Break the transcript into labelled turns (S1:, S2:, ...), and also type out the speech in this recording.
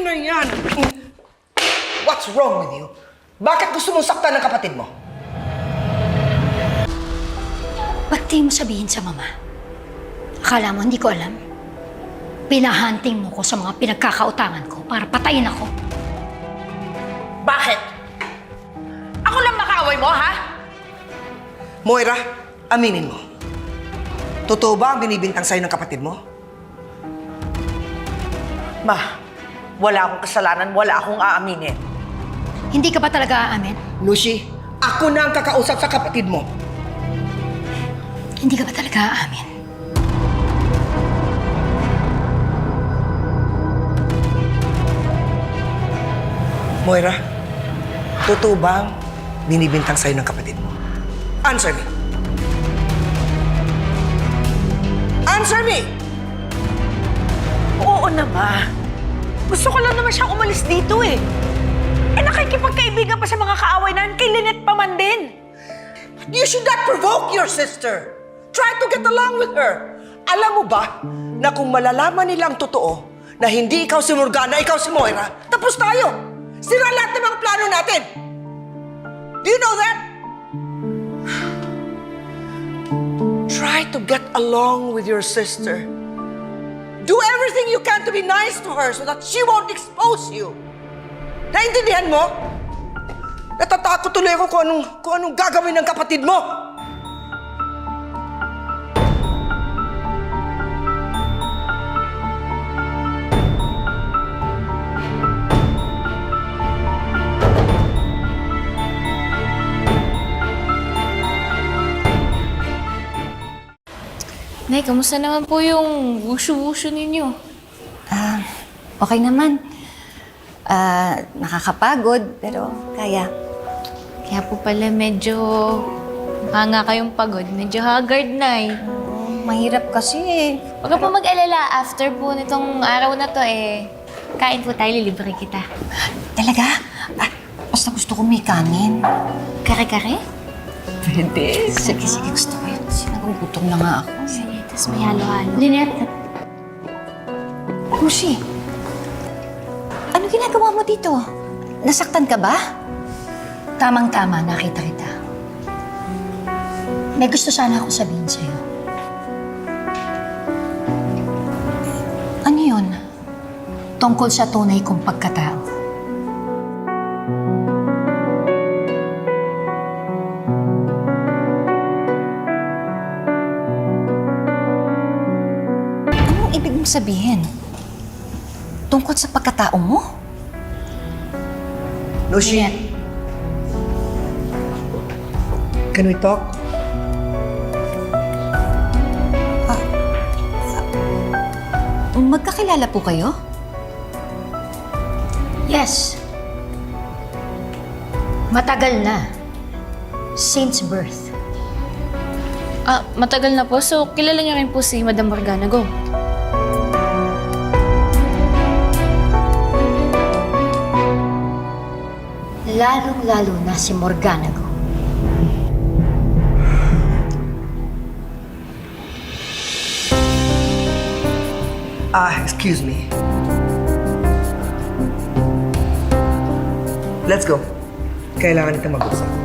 S1: na yan! What's wrong with you? Bakit gusto mong saktan ng kapatid mo?
S2: Ba't di mo sabihin sa mama? Akala mo hindi ko alam? Pinahunting mo ko sa mga pinagkakautangan ko para patayin ako.
S3: Bakit? Ako lang makaaway mo, ha?
S1: Moira, aminin mo. Totoo ba ang binibintang sa'yo ng kapatid mo?
S3: Ma, wala akong kasalanan, wala akong aaminin.
S2: Hindi ka ba talaga aamin?
S1: Lucy, ako na ang kakausap sa kapatid mo.
S2: Hindi ka ba talaga aamin?
S1: Moira, totoo ba ang binibintang sa'yo ng kapatid mo? Answer me. Answer me!
S3: Oo na, Ma. Gusto ko lang naman siyang umalis dito eh. Nakikipagkaibigan pa sa mga kaaway namin, kay Lynette pa man din.
S1: You should not provoke your sister. Try to get along with her. Alam mo ba na kung malalaman nilang totoo na hindi ikaw si Morgana, ikaw si Moira, tapos tayo. Sira lahat ng mga plano natin. Do you know that? Try to get along with your sister. Do everything you can to be nice to her so that she won't expose you. Naintindihan mo? Natatakot tuloy ako kung anong gagawin ng kapatid mo.
S4: Nay, kamusta naman po yung wushu-wushu ninyo?
S5: Okay naman. Nakakapagod, pero kaya.
S4: Kaya po pala medyo hanga kayong pagod. Medyo haggard, Nay.
S5: Mahirap kasi eh.
S4: Huwag ka po mag-alala. After po nitong araw na to, kain po tayo, lilibre kita.
S5: Talaga? Basta gusto ko may kanin.
S4: Kare-kare?
S5: Pwede. Sige, gusto ko yun. Sinagugutom na nga ako.
S4: Sige, tapos may halo-halo.
S2: Lynette,
S5: Lucy, ano ginagawa mo dito? Nasaktan ka ba?
S2: tamang-tama nakita kita. May gusto sana ako sabihin sa'yo.
S5: Ano yun?
S2: Tungkol sa tunay kong pagkatao.
S5: Anong ibig mong sabihin? Tungkol sa pagkatao mo?
S1: Lucy, can we talk?
S5: Magkakilala po kayo?
S2: Yes. Matagal na. Since birth.
S4: Matagal na po. So, kilala niyo rin po si Madam Morgana Go.
S2: Lalong-lalo na si Morgana Go.
S1: Excuse me. Let's go. Kailangan natin mag-usap.